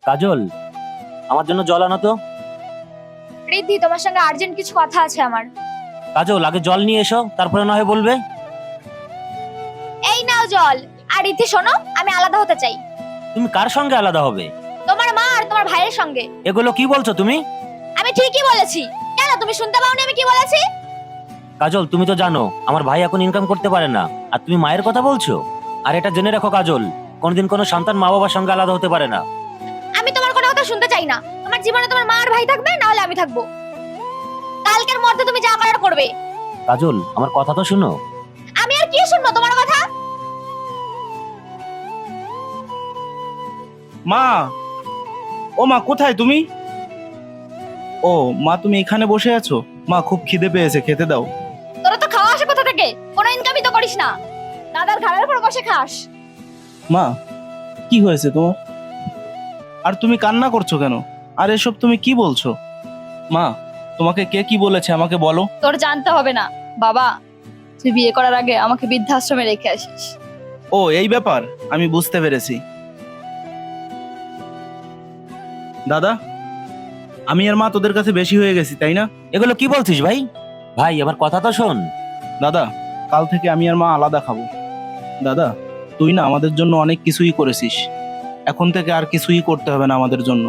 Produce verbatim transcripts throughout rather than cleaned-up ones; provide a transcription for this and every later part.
কাজল, আমার জন্য জল আনো তো। রিদ্ধি, তোমার সঙ্গে আর্জেন্ট কিছু কথা আছে আমার। কাজল, আগে জল নিয়ে এসো, তারপরে না হয় বলবে। এই নাও জল। আর রিদ্ধি শোনো, আমি আলাদা হতে চাই। তুমি কার সঙ্গে আলাদা হবে? তোমার মা আর তোমার ভাইয়ের সঙ্গে। এগুলো কি বলছো তুমি? আমি ঠিকই বলেছি। কেন তুমি শুনতে পাওনি আমি কি বলেছি? কাজল, তুমি তো জানো আমার ভাই এখন ইনকাম করতে পারে না, আর তুমি মায়ের কথা বলছো। আর এটা জেনে রাখো কাজল, কোনদিন কোনো সন্তান মা বাবার সঙ্গে আলাদা হতে পারে না। আমি তোমার কোনো কথা শুনতে চাই না। তোমার জীবনে তোমার মা আর ভাই থাকবে, না হলে আমি থাকবো। কালকের মধ্যে তুমি যা করার করবে। কাজল, আমার কথা তো শুনো। আমি আর কি শুনবো তোমার কথা? মা, ও মা, কোথায় তুমি? ও মা, তুমি এখানে বসে আছো? মা, খুব খিদে পেয়েছে, খেতে দাও। তোরা তো খাওয়া আসে কোথা থেকে? কোনো ইনকামই তো করিস না, দাদার ঘাড়ের উপর বসে খাস। মা, কি হয়েছে তোমার? আর তুমি কান্না করছো কেন? আর এসব তুমি কি বলছো? মা, তোমাকে কে কি বলেছে আমাকে বলো। তোর জানতে হবে না বাবা, তুই বিয়ে করার আগে আমাকে বৃদ্ধাশ্রমে রেখে আসিস। ও, এই ব্যাপার, আমি বুঝতে পেরেছি। দাদা, আমি আর মা তোদের কাছে বেশি হয়ে গেছি, তাই না? এগুলো কি বলছিস ভাই? ভাই, আমার কথা তো শোন। দাদা, কাল থেকে আমি আর মা আলাদা খাবো। দাদা, তুই না আমাদের জন্য অনেক কিছুই করেছিস, এখন থেকে আর কিছুই করতে হবে না আমাদের জন্য।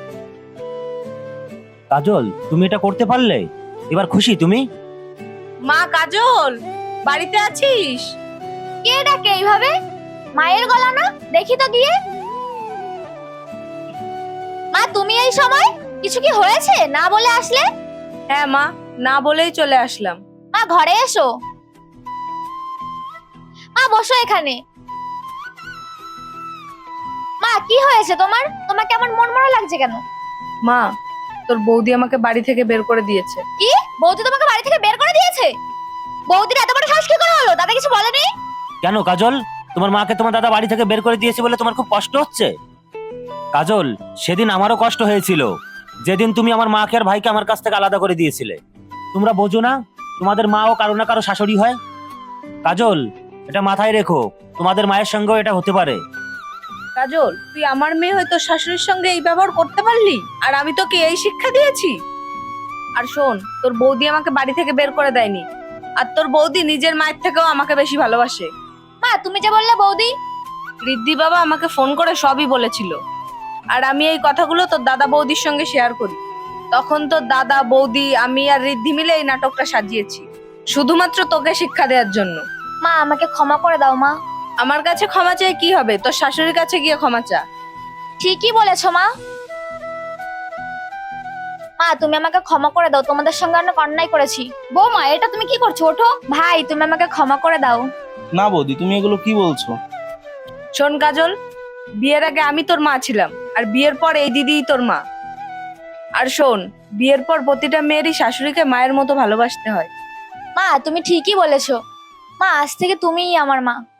কাজল, তুমি এটা করতে পারলে? এবার খুশি তুমি? মা কাজল, বাড়িতে আছিস? কে ডাকে এইভাবে? মায়ের গলা না? দেখি তো গিয়ে। মা, তুমি এই সময়? কিছু কি হয়েছে না বলে আসলে? হ্যাঁ মা, না বলেই চলে আসলাম। মা, ঘরে এসো। মা, বসো এখানে। মা, কি হয়েছে তোমার? তোমার কেমন মন মরা লাগছে কেন? মা, তোর বৌদি আমাকে বাড়ি থেকে বের করে দিয়েছে। কি? বৌদি তোমাকে বাড়ি থেকে বের করে দিয়েছে? বৌদির এত বড় সাহস কি করে হলো? দাদা কিছু বলেনি? কেন কাজল, তোমার মাকে তোমার দাদা বাড়ি থেকে বের করে দিয়েছে বলে তোমার খুব কষ্ট হচ্ছে? কাজল, সেদিন আমারও কষ্ট হয়েছিল, যেদিন তুমি আমার মাকে আর ভাইকে আমার কাছ থেকে আলাদা করে দিয়েছিলে। তোমরা বোঝো না, তোমাদের মাও কারো না কারো শাশুড়ি হয়। কাজল, এটা মাথায় রেখো, তোমাদের মায়ের সঙ্গেও এটা হতে পারে। কাজল, তুই আমার মেয়ে হয়ে তোর শাশুড়ির সঙ্গে এই ব্যবহার করতে পারলি? আর আমি তোকে এই শিক্ষা দিয়েছি? আর শোন, তোর বৌদি আমাকে বাড়ি থেকে বের করে দেয়নি, আর তোর বৌদি নিজের মায়ের থেকেও আমাকে বেশি ভালোবাসে। মা, তুমি যে বললে বৌদি। রিদ্ধি বাবা আমাকে ফোন করে সবই বলেছিল, আর আমি এই কথাগুলো তোর দাদা বৌদির সঙ্গে শেয়ার করি। তখন তোর দাদা বৌদি আমি আর রিদ্ধি মিলে এই নাটকটা সাজিয়েছি, শুধুমাত্র তোকে শিক্ষা দেওয়ার জন্য। মা, আমাকে ক্ষমা করে দাও মা। আমার কাছে ক্ষমা চেয়ে কি হবে? তোর শাশুড়ির কাছে গিয়ে ক্ষমা চা। ঠিকই বলেছো মা। মা, তুমি আমাকে ক্ষমা করে দাও, তোমাদের সঙ্গে অনেক অন্যায় করেছি। বৌমা, এটা তুমি কি করছো? ওঠো। ভাই, তুমি আমাকে ক্ষমা করে দাও। না বৌদি, তুমি এগুলো কি বলছো? শোন কাজল, বিয়ের আগে আমি তোর মা ছিলাম, আর বিয়ের পর এই দিদিই তোর মা। আর শোন, বিয়ের পর প্রতিটা মেয়েরই শাশুড়িকে মায়ের মতো ভালোবাসতে হয়। মা, তুমি ঠিকই বলেছো। মা, আজ থেকে তুমিই আমার মা।